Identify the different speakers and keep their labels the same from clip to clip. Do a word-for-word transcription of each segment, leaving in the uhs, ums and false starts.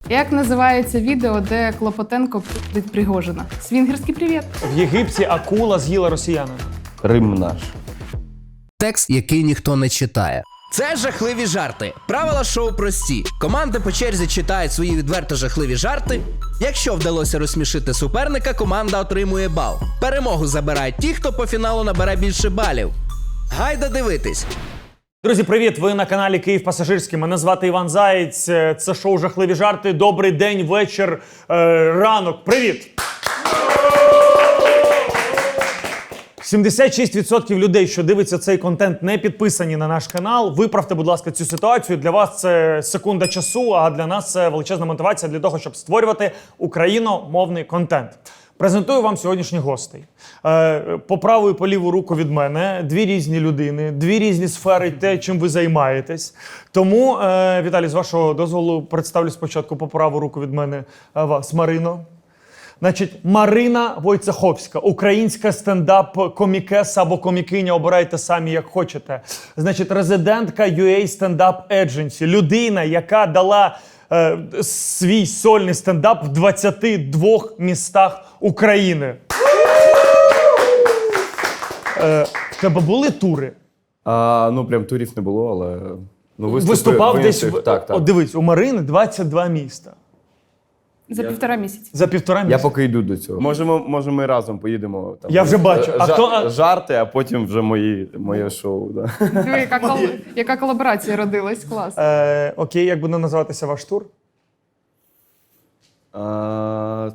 Speaker 1: Як називається відео, де Клопотенко пить Пригожина? Свінгерський привіт.
Speaker 2: В Єгипті акула з'їла росіяна.
Speaker 3: Рим наш.
Speaker 4: Текст, який ніхто не читає. Це жахливі жарти. Правила шоу прості. Команди по черзі читають свої відверто жахливі жарти. Якщо вдалося розсмішити суперника, команда отримує бал. Перемогу забирають ті, хто по фіналу набере більше балів. Гайда дивитись!
Speaker 2: Друзі, привіт! Ви на каналі Київ Пасажирський. Мене звати Іван Заєць. Це шоу «Жахливі жарти». Добрий день, вечір, е, ранок. Привіт! сімдесят шість відсотків людей, що дивиться цей контент, не підписані на наш канал. Виправте, будь ласка, цю ситуацію. Для вас це секунда часу, а для нас це величезна мотивація для того, щоб створювати україномовний контент. Презентую вам сьогоднішніх гостей. По праву і по ліву руку від мене дві різні людини, дві різні сфери, те, чим ви займаєтесь. Тому, Віталій, з вашого дозволу, представлю спочатку по праву руку від мене вас, Марино. Значить, Марина Войцеховська, українська стендап-комікеса або комікиня, обирайте самі, як хочете. Значить, резидентка ю ей Stand-Up Agency, людина, яка дала е, свій сольний стендап в двадцяти двох містах України. Е, в тебе були тури?
Speaker 3: А, ну, прям турів не було, але... Ну, виступи,
Speaker 2: Виступав
Speaker 3: в
Speaker 2: десь...
Speaker 3: інших,
Speaker 2: В...
Speaker 3: так, так.
Speaker 2: О, дивись, у Марини двадцять два міста.
Speaker 1: За півтора місяці.
Speaker 2: За півтора
Speaker 3: Я
Speaker 2: місяця.
Speaker 3: поки йду до цього. Можемо, може, ми разом поїдемо. Там,
Speaker 2: Я вже бачу. А
Speaker 3: жа-
Speaker 2: хто-
Speaker 3: Жарти, а потім вже мої, моє шоу. Да.
Speaker 1: Диви, яка, кол... яка колаборація родилась. Клас.
Speaker 2: Е, окей, як буде називатися ваш тур?
Speaker 3: А,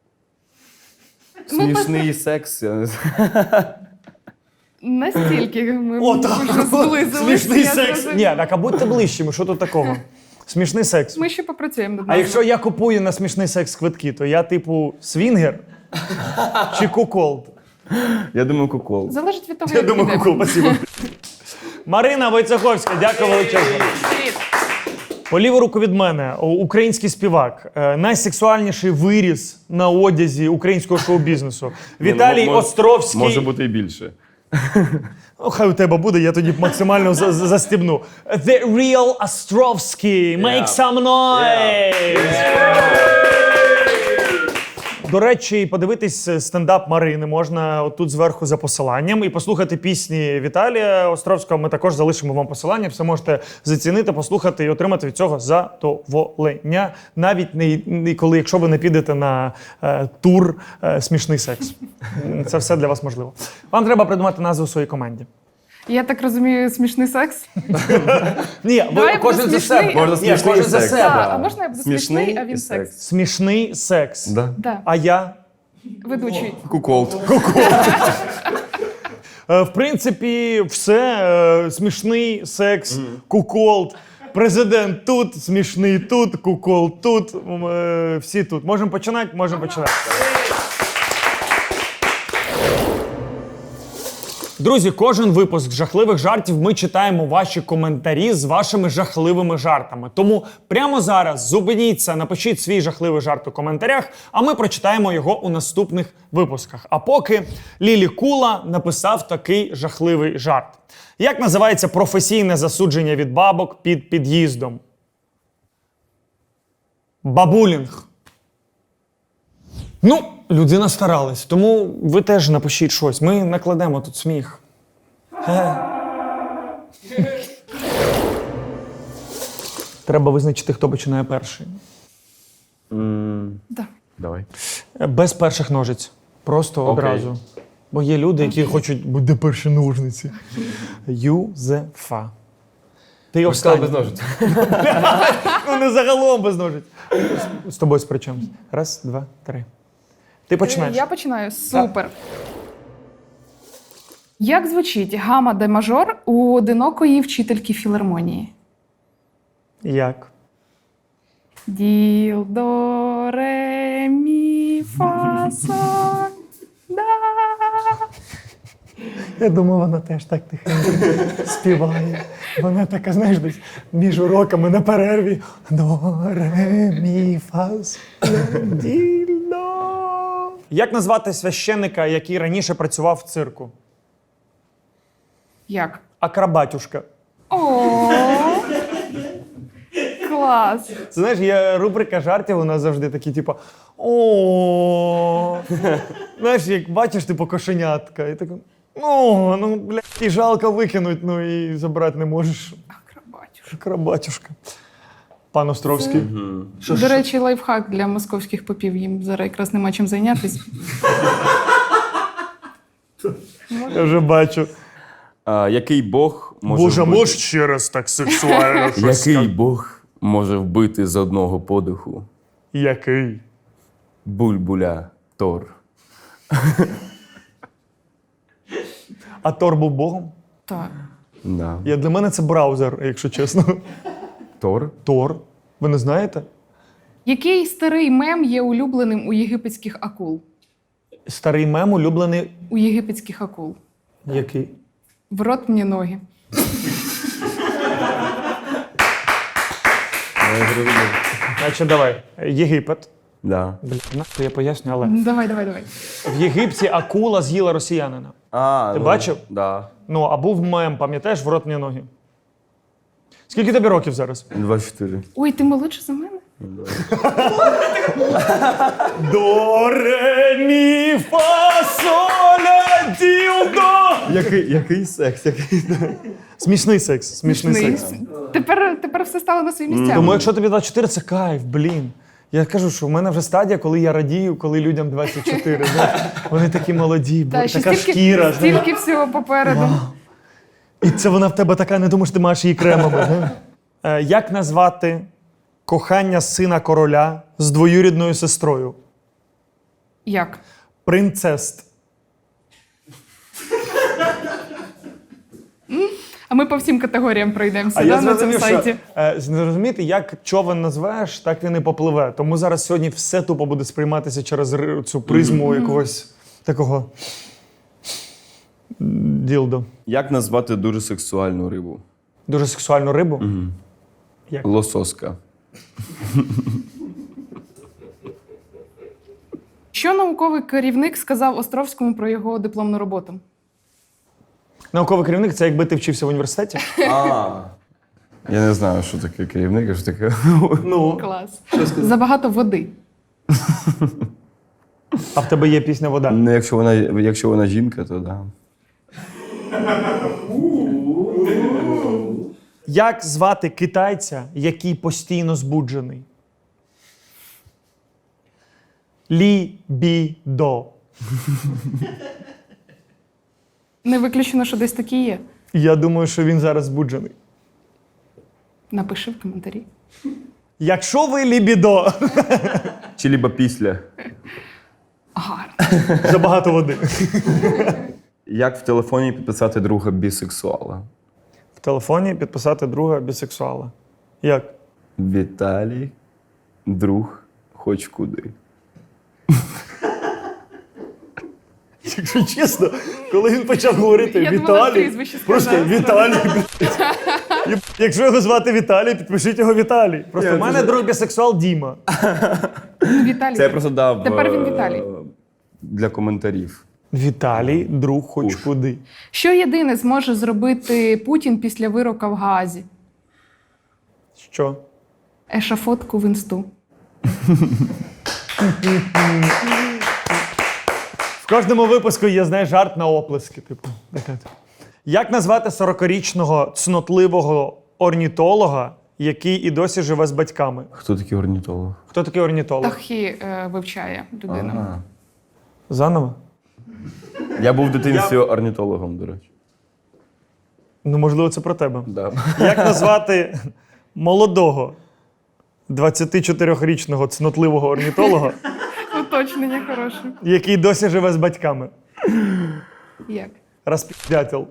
Speaker 1: Ми
Speaker 3: смішний секс. Я не знаю.
Speaker 1: Настільки ми
Speaker 2: О, так.
Speaker 1: вже зблизилися.
Speaker 2: Смішний
Speaker 1: я
Speaker 2: секс.
Speaker 1: зрозуміла.
Speaker 2: Ні, так а будьте ближчими, що тут такого? Смішний секс.
Speaker 1: Ми ще попрацюємо над
Speaker 2: А
Speaker 1: нами.
Speaker 2: якщо я купую на смішний секс квитки, то я типу свінгер чи куколд?
Speaker 3: Я думаю, кукол.
Speaker 1: Залежить від того,
Speaker 2: Я
Speaker 1: як
Speaker 2: думаю,
Speaker 1: піде.
Speaker 2: кукол, спасибо. Марина Войцеховська, дякую величезно.
Speaker 1: Привіт.
Speaker 2: По ліву руку від мене о, український співак, е, найсексуальніший виріз на одязі українського шоу-бізнесу. Віталій
Speaker 3: Ні, ну, мож-
Speaker 2: Островський.
Speaker 3: Може бути і більше.
Speaker 2: О, хай у тебе буде, я тоді максимально за- за- застібну. The real Островський. Make some noise! До речі, подивитись стендап Марини можна отут зверху за посиланням і послухати пісні Віталія Островського. Ми також залишимо вам посилання. Все можете зацінити, послухати і отримати від цього задоволення. Навіть не, не коли, якщо ви не підете на е, тур е, «Смішний секс». Це все для вас можливо. Вам треба придумати назву своїй команді.
Speaker 1: Я так розумію, смішний секс.
Speaker 2: Ні, ви
Speaker 1: Давай
Speaker 2: кожен
Speaker 1: буде
Speaker 2: за себе.
Speaker 1: смішний.
Speaker 3: Можна
Speaker 2: Ні,
Speaker 3: смішний
Speaker 2: кожен за
Speaker 3: секс.
Speaker 2: себе.
Speaker 1: А, а можна я буду смішний, а
Speaker 3: і
Speaker 1: він секс?
Speaker 2: Смішний секс.
Speaker 3: Да.
Speaker 1: Да.
Speaker 2: А я?
Speaker 1: Ведучий.
Speaker 3: Кукол.
Speaker 2: Е, В принципі, все. Е, Смішний секс, куколд. Президент тут, смішний тут, кукол тут. М, е, Всі тут. Можемо починати? Можемо починати. Друзі, кожен випуск жахливих жартів ми читаємо ваші коментарі з вашими жахливими жартами. Тому прямо зараз зупиніться, напишіть свій жахливий жарт у коментарях, а ми прочитаємо його у наступних випусках. А поки Лілі Кула написав такий жахливий жарт. Як називається професійне засудження від бабок під під'їздом? Бабулінг. Ну, людина старалась, тому ви теж напишіть щось. Ми накладемо тут сміх. Е. Треба визначити, хто починає перший.
Speaker 1: Да.
Speaker 3: Давай.
Speaker 2: Е, Без перших ножиць. Просто
Speaker 3: Окей.
Speaker 2: одразу. Бо є люди, які хочуть, буде перші ножниці. Юзефа. Ти останній.
Speaker 3: без ножиць.
Speaker 2: Ну не загалом без ножиць. З тобою сперечаємось. Раз, два, три. Ти починаєш.
Speaker 1: Я починаю. Супер. Як звучить гама де мажор у одинокої вчительки філармонії?
Speaker 2: Як?
Speaker 1: Діл, до, ре, мі, фа, соль, да.
Speaker 2: Я думаю, вона теж так тихенько співає. Вона така, знаєш, десь між уроками на перерві. До, ре, мі, фа, соль, ді, до. Як назвати священника, який раніше працював в цирку?
Speaker 1: Як?
Speaker 2: Акробатюшка.
Speaker 1: О, Клас.
Speaker 2: Це, знаєш, є рубрика жартів, у нас завжди такі, типу, о. Знаєш, як бачиш, типу, кошенятка, і такий, о, ну, блядь, і жалко викинуть, ну і забрати не можеш.
Speaker 1: Акробатюш.
Speaker 2: Крабатюшка. Пан Островський.
Speaker 1: До речі, лайфхак для московських попів. Їм зараз якраз нема чим зайнятися.
Speaker 2: Я вже бачу.
Speaker 3: А, який Бог може
Speaker 2: Боже,
Speaker 3: вбити?
Speaker 2: можеш ще раз так сексуально щось
Speaker 3: Який
Speaker 2: сказати?
Speaker 3: Бог може вбити з одного подиху?
Speaker 2: Який?
Speaker 3: Бульбуля Тор.
Speaker 2: А Тор був богом?
Speaker 1: Так.
Speaker 3: Да.
Speaker 2: Я, для мене це браузер, якщо чесно.
Speaker 3: Тор?
Speaker 2: Тор. Ви не знаєте?
Speaker 1: Який старий мем є улюбленим у єгипетських акул?
Speaker 2: Старий мем улюблений.
Speaker 1: У єгипетських акул.
Speaker 2: Який?
Speaker 1: В рот мені ноги.
Speaker 2: Значить, давай. Єгипет.
Speaker 3: Да.
Speaker 2: Блін, нахуй я поясню, але.
Speaker 1: Давай, давай, давай.
Speaker 2: В Єгипті акула з'їла росіянина.
Speaker 3: А,
Speaker 2: Ти
Speaker 3: ну,
Speaker 2: бачив?
Speaker 3: Да.
Speaker 2: Ну, а був мем, пам'ятаєш, в рот мені ноги. Скільки тобі років зараз?
Speaker 3: двадцять чотири.
Speaker 1: Ой, ти молодший за мене?
Speaker 2: До, ре, мі, фа, соля, ділдо.
Speaker 3: Який, який секс? Який...
Speaker 2: Смішний секс, смішний
Speaker 1: Смішний.
Speaker 2: секс.
Speaker 1: Тепер, тепер все стало на свої місця.
Speaker 2: Тому якщо тобі двадцять чотири, це кайф, блін. Я кажу, що в мене вже стадія, коли я радію, коли людям двадцять чотири. знаєш. Вони такі молоді,
Speaker 1: Та,
Speaker 2: бо,
Speaker 1: ще
Speaker 2: така
Speaker 1: стільки,
Speaker 2: шкіра. знаєш.
Speaker 1: стільки всього попереду.
Speaker 2: І це вона в тебе така, не думаєш, ти маєш її кремами. знаєш. Е, Як назвати кохання сина короля з двоюрідною сестрою?
Speaker 1: Як?
Speaker 2: Принцест.
Speaker 1: А ми по всім категоріям пройдемося
Speaker 2: А
Speaker 1: да,
Speaker 2: я
Speaker 1: на цьому
Speaker 2: зрозумів, що
Speaker 1: сайті.
Speaker 2: е, зрозуміти, як човен назвеш, так він і попливе. Тому зараз сьогодні все тупо буде сприйматися через ри- цю призму якогось такого ділдо.
Speaker 3: Як назвати дуже сексуальну рибу?
Speaker 2: Дуже сексуальну рибу. Як?
Speaker 3: Лососка.
Speaker 1: Що науковий керівник сказав Островському про його дипломну роботу?
Speaker 2: Науковий керівник це якби ти вчився в університеті.
Speaker 3: А. Я не знаю, що таке керівник, а що таке.
Speaker 2: Ну,
Speaker 1: Клас. Забагато води.
Speaker 2: а в тебе є пісня «Вода».
Speaker 3: Ну, якщо вона, якщо вона жінка, то да.
Speaker 2: Як звати китайця, який постійно збуджений? Лі-бі-до.
Speaker 1: Не виключено, що десь такі є.
Speaker 2: Я думаю, що він зараз збуджений.
Speaker 1: Напиши в коментарі.
Speaker 2: Якщо ви лібідо,
Speaker 3: Чи либо після.
Speaker 1: Гарно.
Speaker 2: забагато води.
Speaker 3: Як в телефоні підписати друга бісексуала?
Speaker 2: В телефоні підписати друга бісексуала. Як?
Speaker 3: Віталій, друг, хоч куди.
Speaker 2: Якщо чесно, коли він почав говорити
Speaker 1: Я думала,
Speaker 2: Віталій,
Speaker 1: прізвище
Speaker 2: просто
Speaker 1: сказав.
Speaker 2: Віталій. блядь. Якщо його звати Віталій, підпишіть його Віталій. Просто
Speaker 3: Ні,
Speaker 2: в мене
Speaker 3: це-
Speaker 2: друг бісексуал Діма.
Speaker 1: Ну, Віталій.
Speaker 3: Це я просто дав
Speaker 1: Тепер він
Speaker 3: е,
Speaker 1: Віталій.
Speaker 3: для коментарів.
Speaker 2: Віталій, друг хоч
Speaker 3: Уж.
Speaker 2: куди.
Speaker 1: Що єдине зможе зробити Путін після вирока в Гаазі?
Speaker 2: Що?
Speaker 1: Ешафотку в інсту.
Speaker 2: В кожному випуску є, знаєш, жарт на оплески. Типу. Така. Як назвати сорокарічного цнотливого орнітолога, який і досі живе з батьками?
Speaker 3: Хто такий орнітолог?
Speaker 2: Хто такий орнітолог?
Speaker 1: Птахи е, вивчає людина.
Speaker 3: Ага.
Speaker 2: Заново?
Speaker 3: Я був в дитинстві орнітологом, до речі.
Speaker 2: Ну, можливо, це про тебе.
Speaker 3: Да.
Speaker 2: Як назвати молодого двадцятичотирирічного цнотливого орнітолога,
Speaker 1: Уточнення хороше.
Speaker 2: який досі живе з батьками?
Speaker 1: Як?
Speaker 2: Розпіздятел.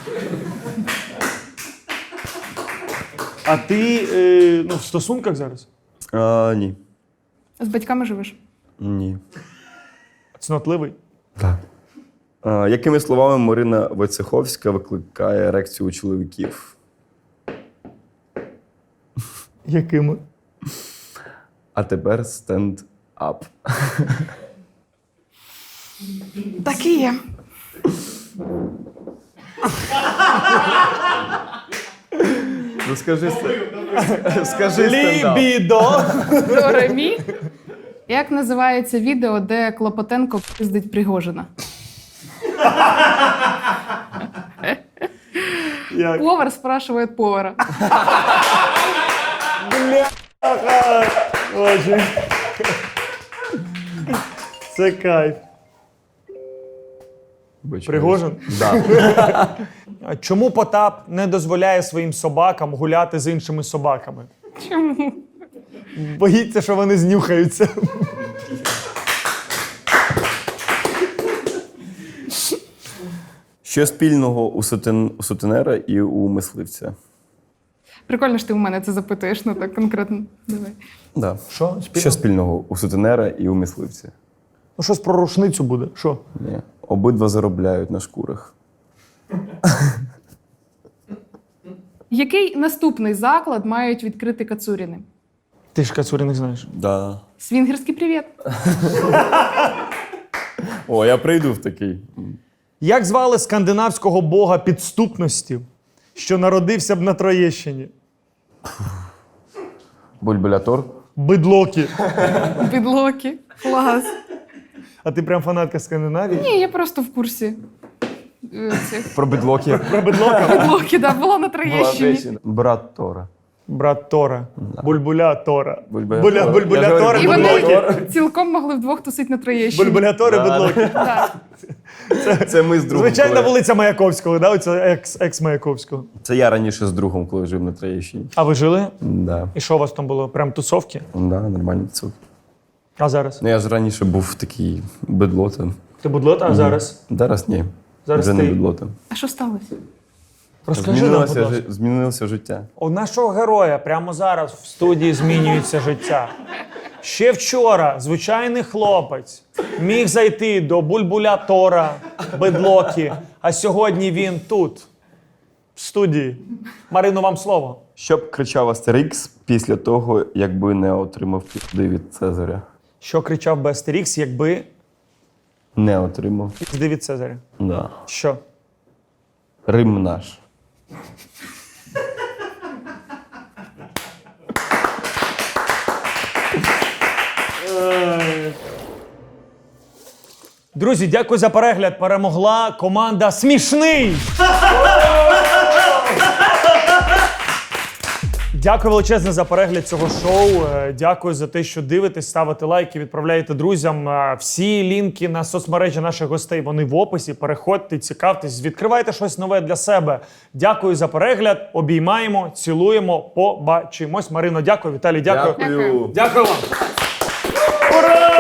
Speaker 2: А ти е, ну, в стосунках зараз?
Speaker 3: А, ні.
Speaker 1: З батьками живеш?
Speaker 3: Ні.
Speaker 2: Цнотливий?
Speaker 3: Так. А, якими словами Марина Войцеховська викликає ерекцію у чоловіків?
Speaker 2: Якими?
Speaker 3: А тепер стенд-ап.
Speaker 1: Так і є.
Speaker 3: Ну скажи, ст- Скажи стендап.
Speaker 2: Лібідо.
Speaker 1: До ремі. Як називається відео, де Клопотенко пиздить Пригожина?
Speaker 2: Як?
Speaker 1: Повар спрашиває повара.
Speaker 2: Бляха. Боже. Це кайф. Пригожин?
Speaker 3: Да.
Speaker 2: А чому Потап не дозволяє своїм собакам гуляти з іншими собаками?
Speaker 1: Чому?
Speaker 2: Боїться, що вони знюхаються.
Speaker 3: Що спільного у, сутен... у сутенера і у мисливця?
Speaker 1: Прикольно, що ти у мене це запитуєш, ну так конкретно. Давай.
Speaker 3: Да.
Speaker 2: Що? Спільно?
Speaker 3: Що спільного у сутенера і у мисливця?
Speaker 2: Ну, щось про рушницю буде. Що?
Speaker 3: Ні. Обидва заробляють на шкурах.
Speaker 1: Який наступний заклад мають відкрити Кацуріни?
Speaker 2: Ти ж Кацуріних знаєш.
Speaker 3: Да.
Speaker 1: Свінгерський привіт.
Speaker 3: О, я прийду в такий.
Speaker 2: Як звали скандинавського бога підступності, що народився б на Троєщині?
Speaker 3: Бульбулятор?
Speaker 2: Бидлокі.
Speaker 1: Підлоки. Клас.
Speaker 2: А ти прям фанатка Скандинавії?
Speaker 1: Ні, я просто в курсі. е, Цих
Speaker 3: Про бидлоки.
Speaker 2: Про бидлока?
Speaker 1: підлоки, да, була на Троєщині.
Speaker 3: Брат Тора.
Speaker 2: Брат Тора. Бульбуля Тора.
Speaker 3: Бульбуля
Speaker 2: Буля,
Speaker 3: Тора.
Speaker 2: бульбуля
Speaker 3: Я ж
Speaker 2: Тора,
Speaker 1: І
Speaker 3: говорю,
Speaker 1: вони
Speaker 2: бидлоки.
Speaker 1: цілком могли вдвох тусити на Троєщині.
Speaker 2: Бульбуля Тори,
Speaker 3: Да.
Speaker 2: бидлоки.
Speaker 1: Так.
Speaker 3: Це ми з другом.
Speaker 2: Звичайна
Speaker 3: коли-
Speaker 2: вулиця Маяковського, да? Оце екс, екс-Маяковського.
Speaker 3: Це я раніше з другом, коли жив на Троєщині.
Speaker 2: А ви жили?
Speaker 3: Да.
Speaker 2: І що у вас там було? Прям тусовки?
Speaker 3: Да, нормальний цуд.
Speaker 2: А зараз?
Speaker 3: Ну я ж раніше був такий бедлотом.
Speaker 2: Ти будлота, а зараз?
Speaker 3: Зараз ні.
Speaker 2: Зараз
Speaker 3: Вже
Speaker 2: ти.
Speaker 3: не бедлотом.
Speaker 1: А що сталося?
Speaker 2: Розкажи нам, будь
Speaker 3: Змінилося,
Speaker 2: ласка.
Speaker 3: жи- змінилося життя.
Speaker 2: У нашого героя прямо зараз в студії змінюється життя. Ще вчора звичайний хлопець міг зайти до бульбуля Тора, бидлоки, а сьогодні він тут, в студії. Марино, вам слово.
Speaker 3: Що б кричав Астерікс після того, якби не отримав пізди від Цезаря?
Speaker 2: Що кричав би Астерікс, якби
Speaker 3: Не отримав.
Speaker 2: пізди від Цезаря?
Speaker 3: Да.
Speaker 2: Що?
Speaker 3: Рим наш.
Speaker 2: Друзі, дякую за перегляд. Перемогла команда Смішний. Дякую величезне за перегляд цього шоу. Е, Дякую за те, що дивитесь, ставите лайки, відправляєте друзям. Е, Всі лінки на соцмережі наших гостей, вони в описі. Переходьте, цікавтесь, відкривайте щось нове для себе. Дякую за перегляд. Обіймаємо, цілуємо, побачимось. Марино, дякую. Віталій, дякую.
Speaker 3: Дякую.
Speaker 2: Дякую вам. Ура!